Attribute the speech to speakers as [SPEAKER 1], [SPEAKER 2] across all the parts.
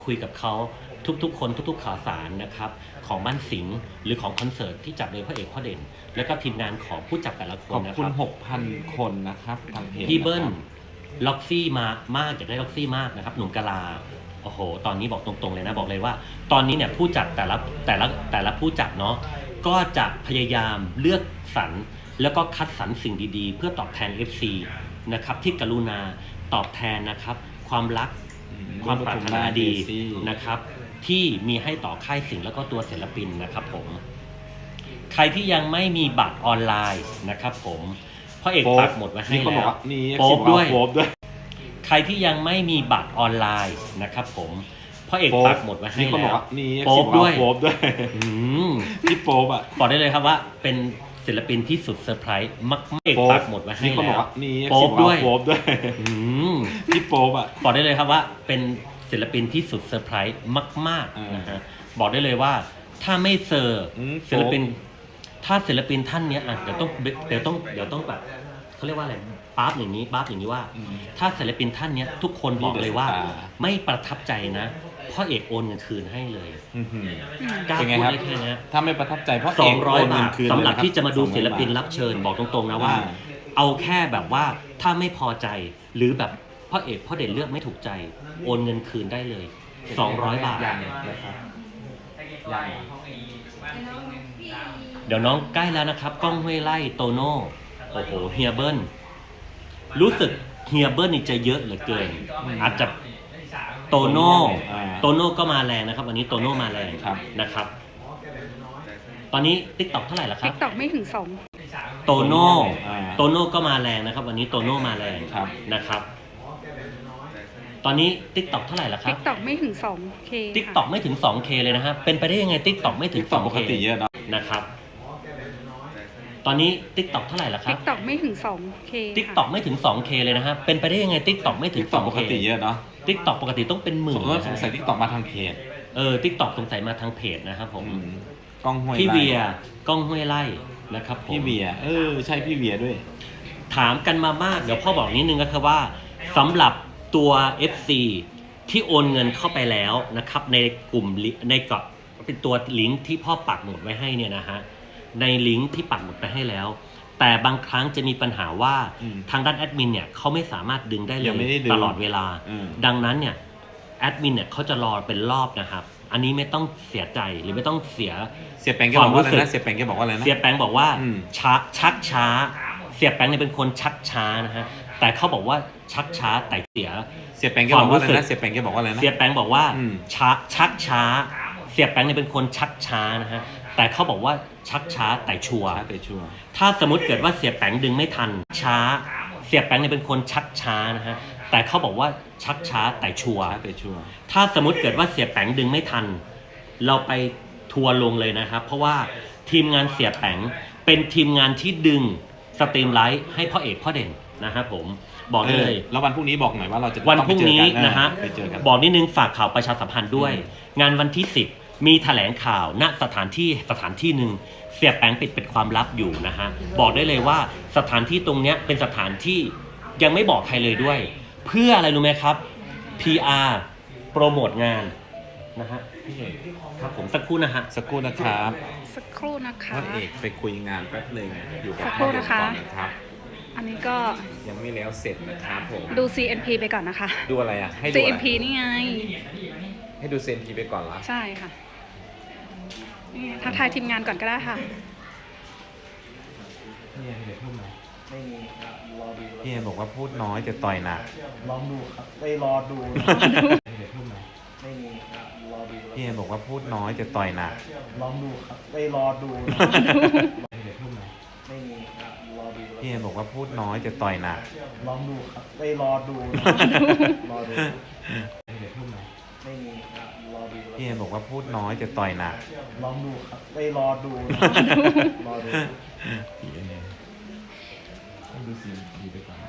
[SPEAKER 1] คุยกับเขาทุกๆคนทุกๆข่าวสารนะครับของบ้านสิงห์หรือของคอนเสิร์ตที่จัดโดยพระเอกพ่อเด่นและก็ทีมงานของผู้จัดแต่ละค
[SPEAKER 2] ขอน บ
[SPEAKER 1] นะค
[SPEAKER 2] คุณ
[SPEAKER 1] รับ
[SPEAKER 2] 6,000 คนนะครับทางเพจ
[SPEAKER 1] พี่เบิ้ลล็อกซี่มากอยากได้ล็อกซี่มากนะครับหนุ่มกะลาโอ้โหตอนนี้บอกตรงๆเลยนะบอกเลยว่า ตอนนี้เนี่ยผู้จัดแต่ละผู้จัดเนาะก็จะพยายามเลือกสรรแล้วก็คัดสรรสิ่งดีๆเพื่อตอบแทน FC นะครับที่กรุณาตอบแทนนะครับความรักความปรารถนาดีนะครับที่มีให้ต่อค่ายสิงห์แล้วก็ตัวศิลปินนะครับผมใครที่ยังไม่มีบัตรออนไลน์นะครับผมพ่อเอกปักหมดไว้ให้แล้วโป๊บด้วยใครที่ยังไม่มีบัตรออนไลน์นะครับผมพ่อเอกปักหมดไว้ให้แล้วโป๊บด้วย
[SPEAKER 2] ที่โป๊บอ่ะ
[SPEAKER 1] บอกได้เลยครับว่าเป็นศิลปินที่สุดเซอร์ไพรส์มากเอกปักหมดไว้ให้แล้วโป๊บด้วย
[SPEAKER 2] ที่โป๊บอ่ะ
[SPEAKER 1] บอกได้เลยครับว่าเป็นศิลปินที่สุดเซอร์ไพรส์มากๆนะฮะบอกได้เลยว่าถ้าไม่เซอร์ศิลปินถ้าศิลปินท่านเนี้ยเดี๋ยวต้องแบบเขาเรียกว่าอะไรปั๊บอย่างนี้ว่า ถ้าศิลปินท่านเนี้ยทุกคนบอกเลยว่าไม่ประทับใจนะพ่อเอกโอนเงินคืนให้เลยกล้าพูดได้แค่นี้
[SPEAKER 2] ถ้าไม่ประทับใจพ่อเอก
[SPEAKER 1] 200 บาทสำหรับที่จะมาดูศิลปินรับเชิญบอกตรงๆนะว่าเอาแค่แบบว่าถ้าไม่พอใจหรือแบบพ่อเอกพ่อเด่นเลือกไม่ถูกใจโอนเงินคืนได้เลย200 บาทเดี๋ยวน้องใกล้แล้วนะครับก้องห้วยไร่โตโน่โอ้โหเฮียเบิ้ลรู้สึกเฮียเบิ้ลนี่จะเยอะเหลือเกินอาจจะโตโน่ก็มาแรงนะครับวันนี้โตโน่มาแรงนะครับตอนนี้ TikTok เท่าไหร่ละครับ
[SPEAKER 3] TikTok ไม่ถึง2
[SPEAKER 1] โตโน่ก็มาแรงนะครับวันนี้โตโน่มาแรงนะครับตอนนี้ TikTok เท่าไหร่ละครับ
[SPEAKER 3] TikTok ไม่ถึง 2K
[SPEAKER 1] TikTok ไม่ถึง 2K เลยนะฮะเป็นไปได้ยังไง TikTok ไม่ถึง 2K
[SPEAKER 2] ปกติเยอะ
[SPEAKER 1] นะครับตอนนี้ TikTok เท่าไหร่ละครับ
[SPEAKER 3] TikTok ไม่ถึง 2K
[SPEAKER 1] TikTok ไม่ถึง 2K เลยนะฮะเป็นไปได้ยังไง TikTok ไม่ถึง 2K
[SPEAKER 2] ปกติเยอะเนาะ
[SPEAKER 1] TikTok ปกติต้องเป็นหมื่น
[SPEAKER 2] สงสัย TikTok มาทางเพจ
[SPEAKER 1] TikTok สงสัยมาทางเพจนะครับผม
[SPEAKER 2] ก้องห้วยไร่
[SPEAKER 1] พี่เวียก้องห้วยไร่นะครับผม
[SPEAKER 2] พี่เวียใช่พี่เวียด้วย
[SPEAKER 1] ถามกันมามากเดี๋ยวพ่อบอกนิดนึงก็คือว่าสำหรับตัว FC ที่โอนเงินเข้าไปแล้วนะครับในกลุ่มในกรอบเป็นตัวลิงก์ที่พ่อปักหมุดไว้ให้เนี่ยนะฮะในลิงก์ที่ปักหมุดไปให้แล้วแต่บางครั้งจะมีปัญหาว่าทางด้านแอดมินเนี่ยเขาไม่สามารถดึงได้เลยตลอดเวลาดังนั้นเนี่ยแอดมินเนี่ยเขาจะรอเป็นรอบนะครับอันนี้ไม่ต้องเสียใจหรือไม่ต้องเสีย
[SPEAKER 2] แปงแกบอกว่าอะไรนะเสียแปงแกบอกว่าอะไรนะ
[SPEAKER 1] เสียแปงบอกว่าชักช้าเสียแปงเนี่ยเป็นคนชักช้านะฮะแต่เขาบอกว่าชักช้าแต่เสีย
[SPEAKER 2] แปงแกบอกว่าอะไรนะเสียแปงแกบอกว่าอะไรนะ
[SPEAKER 1] เสียแปงบอกว่าชักช้าเสียแปงเนี่ยเป็นคนชักช้านะฮะแต่เขาบอกว่าชักช้าแต่ชัวร์ถ้าสมมติเกิดว่าเสียแปงดึงไม่ทันช้าเสียแปงเนี่ยเป็นคนชักช้านะฮะแต่เขาบอกว่าชักช้าแต่ชัวร์ถ้าสมมติเกิดว่าเสียแปงดึงไม่ทันเราไปทัวร์ลงเลยนะครับเพราะว่าทีมงานเสียแปงเป็นทีมงานที่ดึงสตรีมไลท์ให้พ่อเอกพ่อเด่นนะฮะผมบอกได้เลย
[SPEAKER 2] แล้ววันพรุ่งนี้บอกหน่อยว่าเราจะ
[SPEAKER 1] วันพรุ่งนี้นะฮะบอกนิดนึงฝากข่าวประชาสัมพันธ์ด้วยงานวันที่10มีแถลงข่าวณสถานที่หนึ่งเสียแปงปิดเป็นความลับอยู่นะฮะบอกได้เลยว่าสถานที่ตรงเนี้ยเป็นสถานที่ยังไม่บอกใครเลยด้วยเพื่ออะไรรู้ไหมครับ PR โปรโมทงานนะฮะครับผมสักครู่นะฮะ
[SPEAKER 2] สักครู่นะครับ
[SPEAKER 3] พ่
[SPEAKER 2] อเอกไปคุยงานแป๊บนึงอยู่กับ
[SPEAKER 3] สักครู่นะคะอันนี้ก็
[SPEAKER 2] ยังไม่แล้วเสร็จนะครับผม
[SPEAKER 3] ดู CNP ไปก่อนนะคะ
[SPEAKER 2] ดูอะไรอ่ะให้ดู
[SPEAKER 3] CNP นี่ไง
[SPEAKER 2] ให้ดู CNP ไปก่อนละ
[SPEAKER 3] ใช่ค่ะนี่ทักทายทีมงานก่อนก็ได้ค่ะ
[SPEAKER 2] พี่บอกว่าพูดน้อยจะต่อยหนัก
[SPEAKER 4] ลองดูครับไปรอดูไม่มีครับรอดู
[SPEAKER 2] พี่บอกว่าพูดน้อยจะต่อยหนัก
[SPEAKER 4] ลองดูครับไปรอดูไม่มีครับรอดู
[SPEAKER 2] พี่บอกว่าพูดน้อยจะต่อยหนัก
[SPEAKER 4] ลองดูครับไปรอดูรอดูไม่มีครับรอดู
[SPEAKER 2] พี่บอกว่าพูดน้อยจะต่อยหนัก
[SPEAKER 4] ลองดูครับไปรอดูรอดู
[SPEAKER 2] ดูสิดีไปก่อน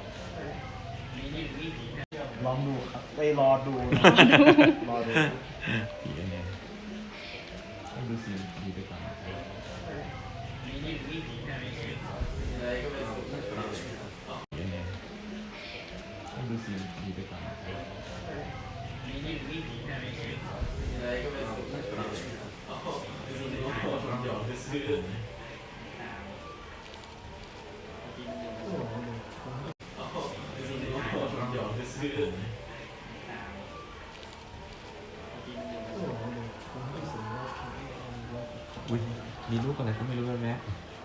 [SPEAKER 4] ลองดูครับไปรอดูรอดู
[SPEAKER 2] ดูสิดีไปก่อนดูสิดีไปก่อนอุ้ยมีลูกอะไรก็ไม่รู้แล้วแม่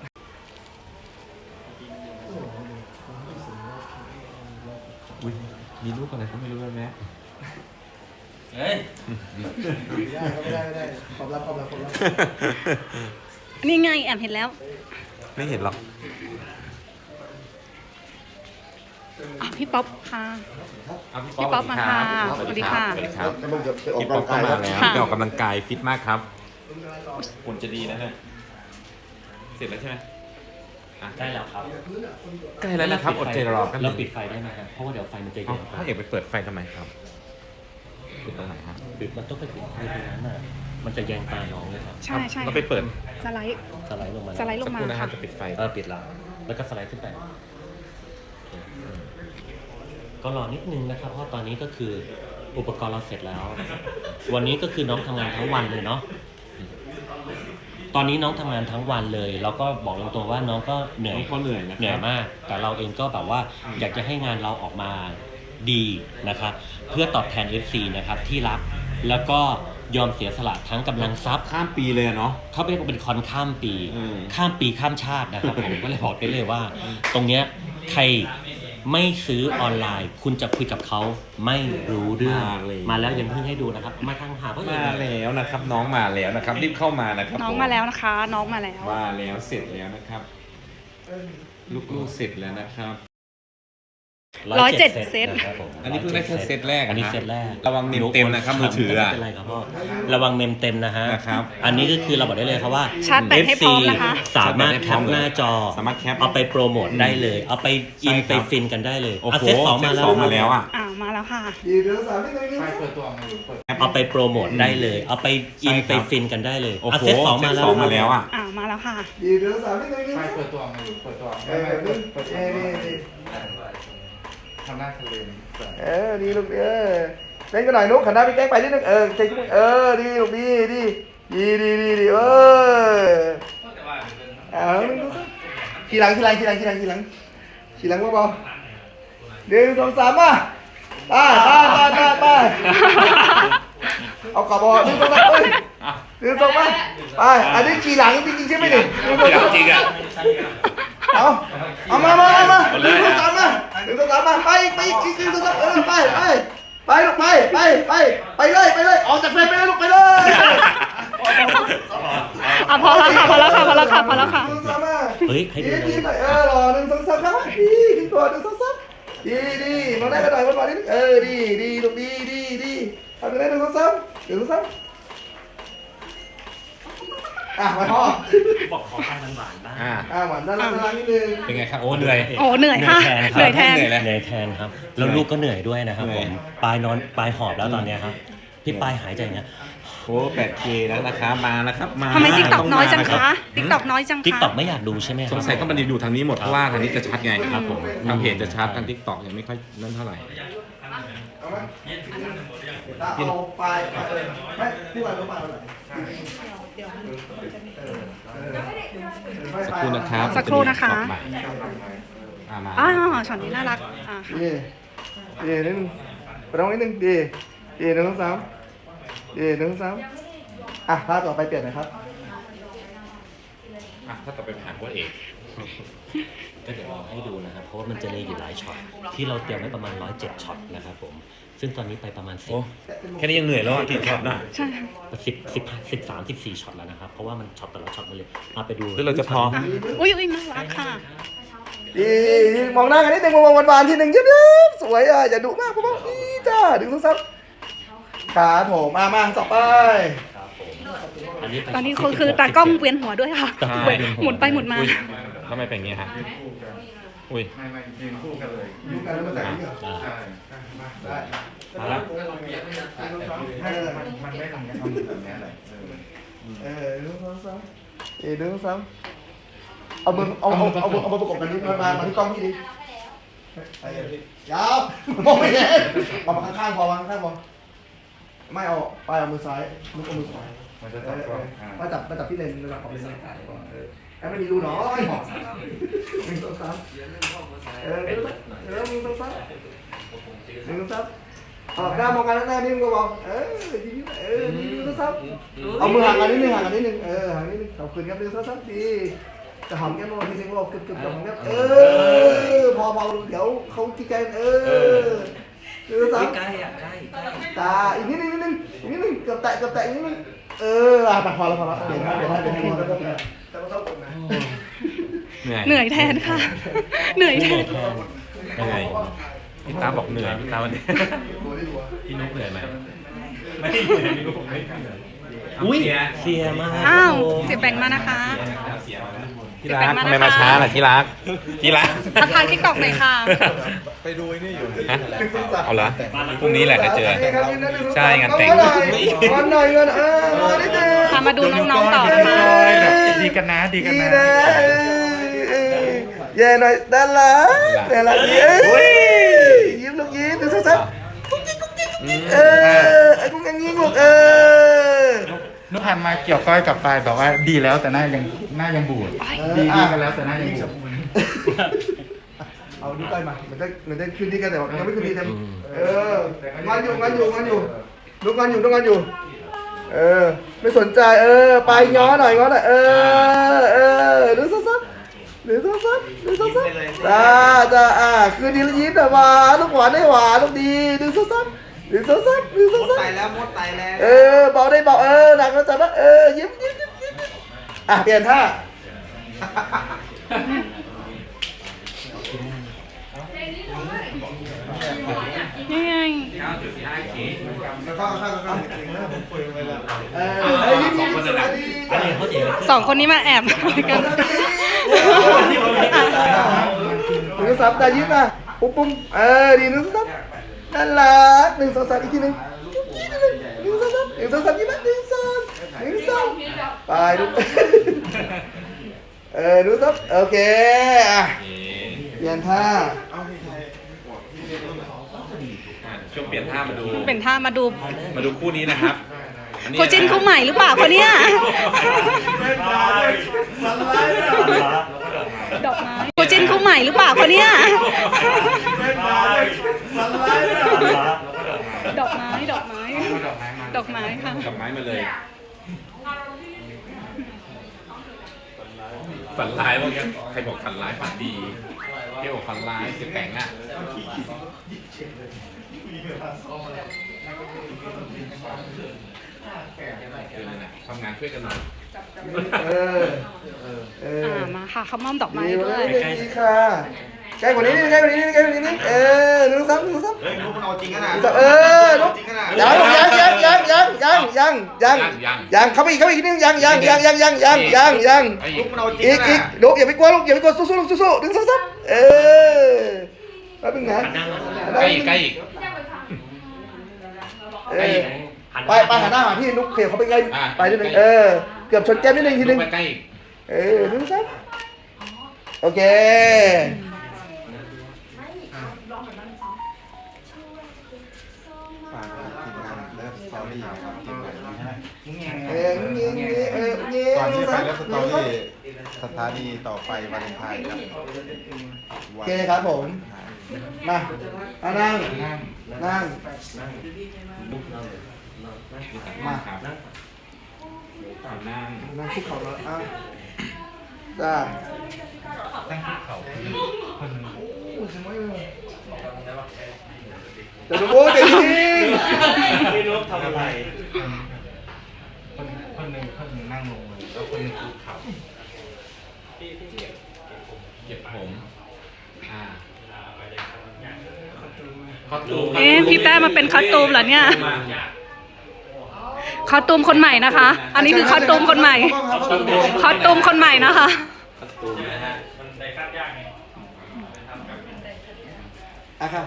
[SPEAKER 2] อุ้ยมีลูกอะไรก็ไม่รู้แล้วแม่
[SPEAKER 1] เฮ้ย
[SPEAKER 4] ไม่ได้ความลับ
[SPEAKER 3] นี่ไงแอบเห็นแล้ว
[SPEAKER 2] ไม่เห็นหรอก
[SPEAKER 3] อ่ะพี่ป๊อปค่ะ
[SPEAKER 2] เอาพี่
[SPEAKER 3] พี่ป๊อปมาค่ะ
[SPEAKER 2] สวัสดีครับ
[SPEAKER 3] สวัสดี
[SPEAKER 2] ค
[SPEAKER 3] ค่ะ
[SPEAKER 2] รับ
[SPEAKER 4] แล้วมึงจะไปออก
[SPEAKER 2] พี่
[SPEAKER 4] กำ
[SPEAKER 2] ป๊อ
[SPEAKER 4] ลั
[SPEAKER 2] ป
[SPEAKER 4] ง
[SPEAKER 2] ก็
[SPEAKER 4] กาย
[SPEAKER 2] มา
[SPEAKER 4] แล้ว
[SPEAKER 2] แล้วไปออกกำลังกายฟิตมากครับหุ่นจะดีนะเนี่ยเสร็จแล้วใช่ไหมอ่ะ
[SPEAKER 1] ได้แล้วครับ
[SPEAKER 2] ใกล้แล้วนะครับอดใจรอกัน
[SPEAKER 1] เราปิดไฟได้ไหมครับเพราะว่าเดี๋ยวไฟมันจะ
[SPEAKER 2] เอา
[SPEAKER 1] เย็นไป
[SPEAKER 2] พ่อเอกไปเปิดไฟทำไมครับปิดตรงไหนฮะ
[SPEAKER 1] ปิดมันต้องไปปิดไฟตรงนั้นน่ะมันจะแยงตาน้องเลยครับ
[SPEAKER 3] ใช่ใช่
[SPEAKER 2] เราไปเปิด
[SPEAKER 3] สไลด์
[SPEAKER 1] สไลด์ลงมา
[SPEAKER 3] สไลด์
[SPEAKER 2] สักครู่นะฮะจะปิดไฟ
[SPEAKER 1] ปิดแล้วแล้วก็สไลด์ขึ้นไปก็รอนิดนึงนะครับ เพราะตอนนี้ก็คืออุปกรณ์เราเสร็จแล้วนะครับวันนี้ก็คือน้องทำงานทั้งวันเลยเนาะตอนนี้น้องทำงานทั้งวันเลย แล้วก็บอกตรงๆว่าน้องก็เหนื่อย
[SPEAKER 2] เขาเหนื่อยนะ
[SPEAKER 1] เหนื่อยมาก แต่เราเองก็แบบว่าอยากจะให้งานเราออกมาดีนะครับ เพื่อตอบแทน FC นะครับที่รักแล้วก็ยอมเสียสละทั้งกำลังทรัพย์
[SPEAKER 2] ข้ามปีเลยอะเนาะ
[SPEAKER 1] เขาเป็นคอนข้ามปี
[SPEAKER 2] อืม
[SPEAKER 1] ข้ามปีข้ามชาตินะครับ ผมก็เลยบอกได้เลยว่า ตรงเนี้ยใครไม่ซื้อออนไลน์ คุณจะคุยกับเขาไม่รู้เรื่องมาแล้วยังเพิ่งให้ดูนะครับ มาทางหาพ่อเอก
[SPEAKER 2] มาแล้วนะครับ น้องมาแล้วนะครับรีบเข้ามานะครับ
[SPEAKER 3] น้องมาแล้วนะคะ น้องมาแล้ว
[SPEAKER 2] มาแล้วเสร็จแล้วนะครับ ลูกๆเสร็จแล้วนะครับ
[SPEAKER 3] 107 เซต
[SPEAKER 1] นะครับผม
[SPEAKER 2] อันนี้เพิ่งได้แค่เซตแรกอะ
[SPEAKER 1] อันนี้เซตแรก
[SPEAKER 2] ระวังเมมเต็มนะครับมือถืออะ
[SPEAKER 1] ไม่เป็นไรครับพ่อระวังเมมเต็มนะฮะ
[SPEAKER 2] นะครับ
[SPEAKER 1] อันนี้ก็คือเราบอกได้เลยครับว่า
[SPEAKER 3] ชาร์จแบตให้พร้อมนะคะ
[SPEAKER 1] สามารถแคปหน้าจอ
[SPEAKER 2] สามารถแคป
[SPEAKER 1] เอาไปโปรโมทได้เลย เอาไปอิน
[SPEAKER 2] ใช่ครับ
[SPEAKER 1] ไปฟินกันได้เลย
[SPEAKER 2] โอ้
[SPEAKER 1] อ่ะ
[SPEAKER 2] โห
[SPEAKER 1] เซตสองมาแล้ว
[SPEAKER 2] เซตสองมาแล้วอ่ะ
[SPEAKER 3] มาแล้วค่ะ
[SPEAKER 4] ดีเดือนสามที่ไหนนี่
[SPEAKER 1] เอาไปโปรโมทได้เลย เอาไปอิน
[SPEAKER 2] ใช่ครับ
[SPEAKER 1] ไปฟินกันได้เลย
[SPEAKER 2] โอ้
[SPEAKER 1] อ่ะ
[SPEAKER 2] โห
[SPEAKER 1] เซตสองมาแล้ว
[SPEAKER 2] เซตสองมาแล้วอ่ะ
[SPEAKER 3] มาแล้วค่ะ
[SPEAKER 4] ดีเดือนสามที่ไหนนี่
[SPEAKER 5] ไม่เปิดตัวมาอยู่เปิดตัว
[SPEAKER 4] เออนี่
[SPEAKER 5] ทำหน้าทะเลน
[SPEAKER 4] ดีลูกเล่นกันหน่อยนุ๊กขันหน้าพี่แก้งไปนิดนึงใจชุ่มดีลูกดีขี่หลังเบาๆ1 2 3มาไปเอากลับบ่1 2 3เอ้ย1 2มาไปอันนี้ขี่หลังจริงๆใช่ไหมนี่1 2 3
[SPEAKER 2] จริงอ่ะ
[SPEAKER 4] เอามา1 2 3มา1 2 3มาไปอีก1 2 3ไปลูกไปเลยออกจากเฟรมไปเลยลูกไปเลย
[SPEAKER 3] พอแล้วค่ะ
[SPEAKER 1] เฮ้ยให้ดูเลย
[SPEAKER 4] รอ1 2 3ครับดีขึ้นตัว1 2 3ดีมาได้กันหน่อยมานิดดีลูกดีทำได้1 2 3มาพ่อ
[SPEAKER 1] บอกขอข้าวหวานๆบ้าง
[SPEAKER 4] หวานด้านล่างนิดนึง
[SPEAKER 2] เป็นไงครับโอ้เหนื่อย
[SPEAKER 3] โอ้เหนื่อยค่ะ เหนื่อยแทน
[SPEAKER 2] เหนื่อยแล้ว
[SPEAKER 1] เหนื่อยแทนครับ แล้วลูกก็เหนื่อยด้วยนะครับ
[SPEAKER 2] เหนื่
[SPEAKER 1] ผ
[SPEAKER 2] อย
[SPEAKER 1] มปลายหอบแล้วตอนเนี้ยครับพี่ปลายหายใจอย่างเงี้ย
[SPEAKER 2] โอ้ 8K แล้วนะครับมาแล้วครับมา
[SPEAKER 3] ทำไมติ๊กต็อก
[SPEAKER 2] ต้
[SPEAKER 3] น้อยจัง
[SPEAKER 2] มา
[SPEAKER 3] คะติ๊กต็อกน้อยจัง
[SPEAKER 1] ทิก
[SPEAKER 3] คะ
[SPEAKER 1] ตอกไม่อยากดูใช่ไหมครับ
[SPEAKER 2] สงสัยก็มันอยู่ทางนี้หมดเพราะว่าทางนี้จะชัดไง
[SPEAKER 1] ครับผม
[SPEAKER 2] ทางเพจจะชัดทาง TikTok ยังไม่ค่อยนั่นเท่าไหร่
[SPEAKER 4] เอาไปไม่ที่วันรู้มาเท่าไหร่
[SPEAKER 2] สักครู่นะครับ
[SPEAKER 3] สักครู่นะคะ
[SPEAKER 2] มา
[SPEAKER 3] ช็อตนี้น่ารักค่ะ
[SPEAKER 4] ดีนิดนึงไปตรงนิดนึงดี1 2 31 2 3ภาพต่อไปเปลี่ยนนะครับ
[SPEAKER 2] ถ้าต่อไปผ่านว่าเอก
[SPEAKER 1] ก็เดี๋ยวเราให้ดูนะครับ เพราะว่ามันจะมีอยู่หลายช็อตที่เราเตรียมไว้ประมาณ107ช็อตนะครับผมซึ่งตอนนี้ไปประมาณ
[SPEAKER 2] โอ้แค่นี้ยังเหนื่อยแล้วกี่ช็อตนะ
[SPEAKER 3] ใช่
[SPEAKER 1] 13-14ช็อตแล้วนะครับเพราะว่ามันช็อตแต่ละช็อตมาเลยเอาไปดู
[SPEAKER 2] หรือเราจะพอ
[SPEAKER 3] อุ้ยน่ารักค่ะ
[SPEAKER 4] ดีมองหน้ากันนิดนึงมองหวานๆทีหนึ่งเยิ้มๆสวยอย่าดุมากพ่อดีจ้า1 2 3ขาโถมาต่อไป
[SPEAKER 1] ครับผมอันนี้เป็น
[SPEAKER 3] ตอนนี้คือตากล้องเวียนหัวด้วยค่ะ
[SPEAKER 2] ใช่
[SPEAKER 3] หมุนไปหมุนมา
[SPEAKER 2] อุ้ยทำไมเป็นอย่างนี้ฮะอุ้ย
[SPEAKER 5] ไม่ยืนคู่กันเลย
[SPEAKER 4] ยุ่งกันแล้วมาแต่งนี่เหรอ
[SPEAKER 1] อ่า
[SPEAKER 5] ใช่
[SPEAKER 4] ได้
[SPEAKER 2] มาแล้ว
[SPEAKER 5] มันไม่ทำอย่างนี้ทำแบบนี้แหละ
[SPEAKER 4] 1 2 3เอามือประกบกันนิดมาที่กล้องพี่ดิยาวมองไม่เห็นมาข้างๆพอไม่เอาไปเอามือซ้ายนุกเอามือขวา
[SPEAKER 5] มันจะจับก่อน
[SPEAKER 4] มาจับที่เลนระดับของเลนแอบไม่มีรูน้อยหมอกหนึ่งสองสามมึงต้องซ้ำหนึ่งต้องซ้ำออกหน้ามองกันหน้านี่มึงก็บอกยิ้มต้องซ้ำเอามือห่างกันนิดนึงห่างนิดนึงขอบคุณครับหนึ่งต้องซ้ำดีจะหอมแก้มทีนึงบอกกึบๆหอมแก้มพอเดี๋ยวเขาที่ใจหนึ่งต้องซ้ำ
[SPEAKER 1] ใกล้อ่ะใกล้
[SPEAKER 4] ตาอีกนิดนึงเกือบแตะอีกนิดนึงพอแล้วเดี๋ยวแต่ก็ต้องกดนะ
[SPEAKER 3] เหนื่อยแทนค่ะ เหนื่อยแทน
[SPEAKER 2] เหนื่อยพี่ตาบอกเหนื่อยพี่ตาวันนี้พี่นุ๊กเหนื่อยไหมไม่เหนื่อยพี่นุ๊กไม่เหนื่อย
[SPEAKER 1] อุ้ยเสียมาก
[SPEAKER 3] อ้าวเสียแบ่งมานะคะ
[SPEAKER 2] ที่รักทำไมมาช้าล่ะที่รัก
[SPEAKER 3] ทักทายทิกตอกหน่อยค่ะ
[SPEAKER 2] ไปดูไอ้นี่อยู่ฮะเอาละพรุ่งนี้แหละจะเจอใช่งานแต่ง
[SPEAKER 4] วันหน่อยเงินมาได้เจอ
[SPEAKER 3] พามาดูน้องๆต่อนะคะ
[SPEAKER 5] ดีกันนะ
[SPEAKER 4] เย่หน่อยด้านหลังยิ้มลูกยิ้มดูซับไอ้กุ้งยังยิ้มลูก
[SPEAKER 5] นุกหันมาเกี่ยวก้อยกับปลายบอกว่าดีแล้วแต่หน้ายังบูดดีกันแล้วแต่หน้ายังบูด
[SPEAKER 4] เอาดูใกล้มาเหมือนได้คืนดีกันแต่ยังไม่คืนดีเต็มงานอยู่ลูกงานอยู่ไม่สนใจไปง้อหน่อยดูซับจ้าคืนดีแล้วยิ้มแต่หวานลูกหวานได้หวานลูกดีดูซับมดไตแล้วเบาได้เบาหนักแล้วจับนะยิ้มเปลี่ยนท่า
[SPEAKER 3] นี่ไง สองคนนี้มาแอบกัน
[SPEAKER 4] หนึ่งซับตายิ้มปุ้มดีหนึ่งซับน่ารักหนึ่งสองสามอีกทีหนึ่งหนึ่งสองสามยิ้มหนึ่งสองไปดูดูซับโอเคเปลี่ยนท่า
[SPEAKER 2] ช่วงเปลี่ยนท่ามาดู
[SPEAKER 3] เป็นท่ามาดู
[SPEAKER 2] คู่นี้นะครับ
[SPEAKER 3] คู่จิ้นคู่ใหม่หรือเปล่าคนเนี้ยดอกไม้คู่จิ้นคู่ใหม่หรือเปล่าคนเนี้ยดอกไม้ค่ะ
[SPEAKER 2] ดอกไม้มาเลย ฝันร้ายว่าใครบอกฝันร้ายฝันดีเกี่ยวกับฝันร้ายเสียแต่งอ่ะทำงานช่วยกันหน่อย
[SPEAKER 3] มาค่ะเขามอมดอกไม้
[SPEAKER 4] ดี
[SPEAKER 3] ด้วย
[SPEAKER 4] ดีค่ะใกล้กว่านี้นิดหนึ่งซับลูกมันเอาจริงขนาดลูกยังเข้าไปอีกนิดนึงยังลูกมันเอาจริงอีกลูกอย่าไปกลัวสู้หนึ่งซับแป๊บนึงนะ
[SPEAKER 2] ใกล้อีก
[SPEAKER 4] ไปหันหน้าหาพี่นุ๊กเขียวเขาไปใกล้ไปนิดนึงเกือบชนแก้มนิดนึงทีนึง
[SPEAKER 2] ใกล้อีก
[SPEAKER 4] หนึ่งซับโอเค
[SPEAKER 6] ก่อนที่จะไปเล่นสตอรี่สถานีต่อไปวาเลนไทน์ครับ
[SPEAKER 4] โอเคครับผมมานั่งมา นั่งคุกเข่าแล้วจ้า
[SPEAKER 5] ตั้งเขาคนนึง
[SPEAKER 4] จะดูโอ้จะยิง
[SPEAKER 1] พี่นุ๊กทำอะไร
[SPEAKER 5] คนนึงนั่งลงเลยแล้วคนนึงคุกเข่า
[SPEAKER 2] เก็บผม
[SPEAKER 3] พี่แป้มาเป็นคอสตูมเหรอเนี่ยคอสตูมคนใหม่นะคะ อันนี้คือคอสตูมคนใหม่คอสตูมคนใหม่นะคะ
[SPEAKER 4] ครับ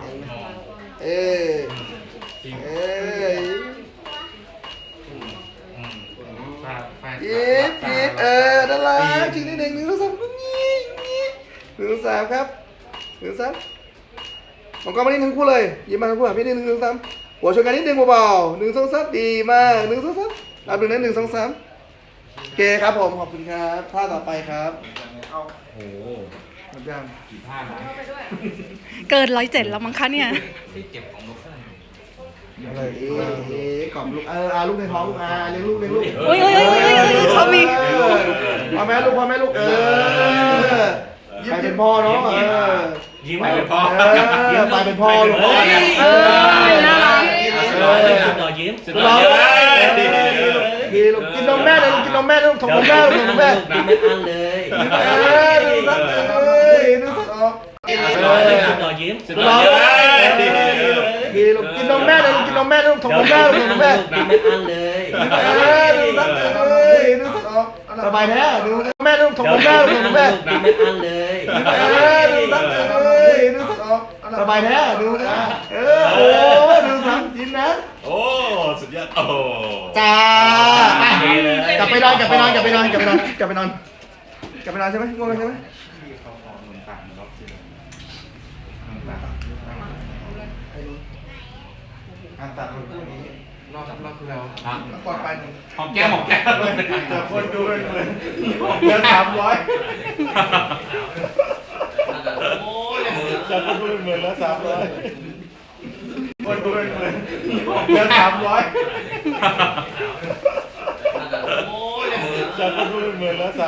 [SPEAKER 4] ยิบนั่นแหละจริงนิดหนึ่ง1 2 31 3ครับ1 3ผมก็มานิดนึงคู่เลยยิ้มมาคู่พี่นิดนึง1 3 หัวชนกันนิดนึงเบาๆ1 2 3ดีมาก1 2 3รับหนึ่งนะ1 2 3โอเคครับผมขอบคุณครับท่าต่อไปครับ
[SPEAKER 2] โอ้โห
[SPEAKER 4] หมดยัง
[SPEAKER 2] กี่ท่านะ
[SPEAKER 3] เกิน107แล้วมั้งคะเนี่ย
[SPEAKER 2] ที่เก็บของนกได้
[SPEAKER 4] อะไรกล่อมลูกลูกในท้องลูกเลี้ยงลูกเลี้ยงลูก
[SPEAKER 3] โอ้ยเขามี
[SPEAKER 4] พ่อแม่ลูกใครเป็นพ่อเนาะ
[SPEAKER 1] ยิ้ม
[SPEAKER 2] ไปเป็นพ่อ
[SPEAKER 4] ไปเป็นพ่อลูกพ่อ
[SPEAKER 3] น่ารัก
[SPEAKER 1] สุดหล่อเลยสุดหล่อยิ้ม
[SPEAKER 2] สุดยอดเลย
[SPEAKER 4] ดีลูกกินนมแม่เลยลูกกินนมแม่ลูกถงนมแม่ลูกถงนมแม่
[SPEAKER 1] กินไม่อั้นเลย
[SPEAKER 4] ดูสักเลยดูสักออก
[SPEAKER 1] สุดหล่อเลยสุดหล่อยิ้ม
[SPEAKER 2] สุดยอดเลย
[SPEAKER 4] ดีลูกกินนมแม่เลยลูกกินนมแม่ลูกถงนมแม่ลูกถงนมแม่
[SPEAKER 1] กินไม่อั้นเลย
[SPEAKER 4] ดูสักเลยดูสักออกสบายแท้ดูแม่ลูกถงนมแม่ลูกถงนมแม่
[SPEAKER 1] กินไม่อั้นเลย
[SPEAKER 4] ดูสักเลยดูสักออกสบายแท้ดูโอ้ดูสักยิ้มนะ
[SPEAKER 6] โอ้สุดยอดโอ้
[SPEAKER 4] จ้ากลับไปนอนใช่ไหมง่วงแล้วใช่ไหม
[SPEAKER 5] การตัดคนคู่นี้รอบที่แล้ว
[SPEAKER 2] อ่ะ
[SPEAKER 4] กอดไปหนึ่ง
[SPEAKER 2] หอมแก้ม
[SPEAKER 4] แต่คนดูเป็นหมื่นเดือน300จะคนดูเป็นหมื่นแล้ว300คนดูเป็นหมื่นเดือน300จะคนดูเป็นหมื่นแล้ว300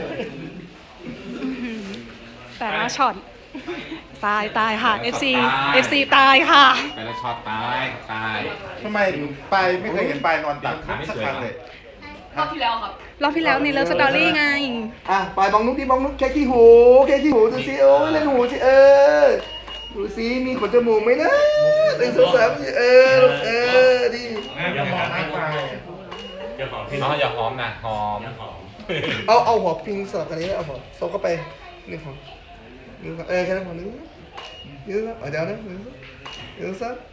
[SPEAKER 3] แต่ละช็อตตายค่ะ FC ตายค่ะ
[SPEAKER 2] ไปแล้วช็อตตาย
[SPEAKER 6] ทำไมปายไม่เคยเห็นปายนอนตักสักครั้งเลย
[SPEAKER 3] รอบที่แล้วในเลิฟสตอรี่ไง
[SPEAKER 4] ไปบองนุ๊กดิบองนุ๊กแค่ขี้หูดูสิโอ้ยเล่นหูสิดูสิมีขนจมูกไหมนะ1 2 3ดี
[SPEAKER 1] อย่าหอมนะอย่าหอมพี่
[SPEAKER 2] น้องอย่าหอมนะหอม
[SPEAKER 1] อย่าหอม
[SPEAKER 4] เอาหัวพิงสลับกันนี้เอาหัวโซกเข้าไป1 ของแค่นั้นพอ1เดี๋ยวนะเดี๋ยวนะ1 2 3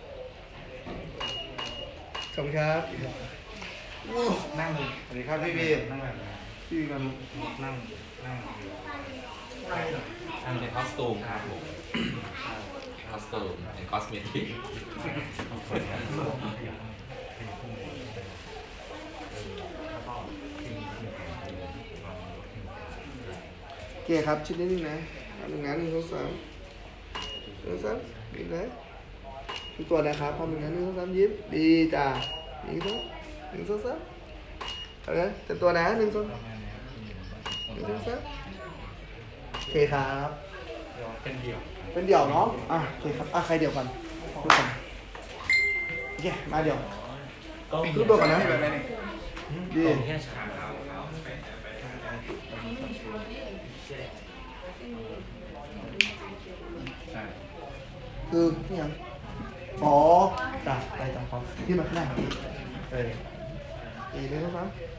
[SPEAKER 4] ขอบคุณครับ
[SPEAKER 5] นั่ง
[SPEAKER 6] สวัสดีครับพี่บี
[SPEAKER 5] นั่งแบบไหน
[SPEAKER 4] พี่กัน
[SPEAKER 5] นั่ง
[SPEAKER 2] อันเป็นคอสตูมครับผมคอสตูมเป็นคอสเมติก
[SPEAKER 4] โอเคครับชิ้นนี้นะ1 1 2 3ดีนะทุกตัวนะครับพร้อม1 2 3ยิ้มดีจ้า1 2 3เอาละเต็มตัวนะ1 2 3โอเคครับเป็นเดี่ยวเนาะโอเคครับใครเดี่ยวก่อนทุกคนโอเคมาเดี่ยว
[SPEAKER 1] กล้อง
[SPEAKER 4] ทุกตัวก่อนนะดี
[SPEAKER 1] กล้องแค่ฉาก
[SPEAKER 4] คือนี่ยังจ้าไปจังพอที่มาข้างหน้า1 2 3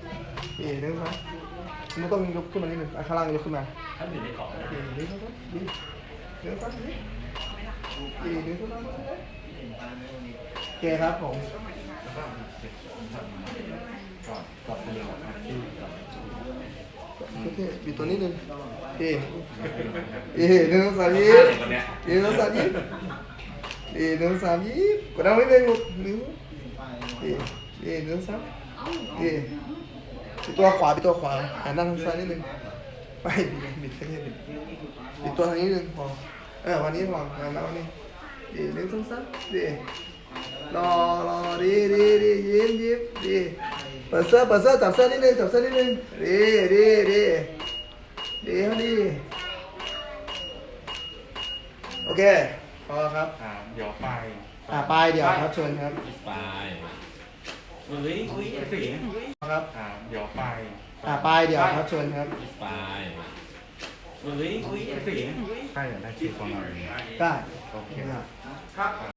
[SPEAKER 4] ไม่ต้องยกขึ้นมานิดนึงข้างล่างยกขึ้นมา
[SPEAKER 1] ถ้าอยู่ในกล่องนะ
[SPEAKER 4] 1 2 3ดี1 2 3ดี1 2 3โอเคครับผมโอเคบีบตัวนิดนึง1 2 3ยิ้ม1 2 3ยิ้ม1 2 3ยิ้มกดดันไว้เลยลูก1 2 3ตัวขวาหันหน้าทางซ้ายนิดนึงไปบิดแค่นี้บิดตัวทางนี้นิดนึงพอวันนี้พอวันนี้1 2 3ดีรอดียิ้มดีเปิดเสื้อจับเสื้อนิดนึงดีโอเคพอครับ
[SPEAKER 5] เดี๋ยวไป
[SPEAKER 4] ไปเดี๋ยวครับเชิญครับ
[SPEAKER 2] ไป
[SPEAKER 1] อุ้ย
[SPEAKER 4] ครับ
[SPEAKER 5] เดี๋ยวไป
[SPEAKER 4] ไปเดี๋ยวครับเชิญครับ
[SPEAKER 2] ไป
[SPEAKER 1] อุ้ย
[SPEAKER 5] ใช่อยากได้ชื่อคนอะไร
[SPEAKER 4] ได้
[SPEAKER 5] โอเค
[SPEAKER 4] ได้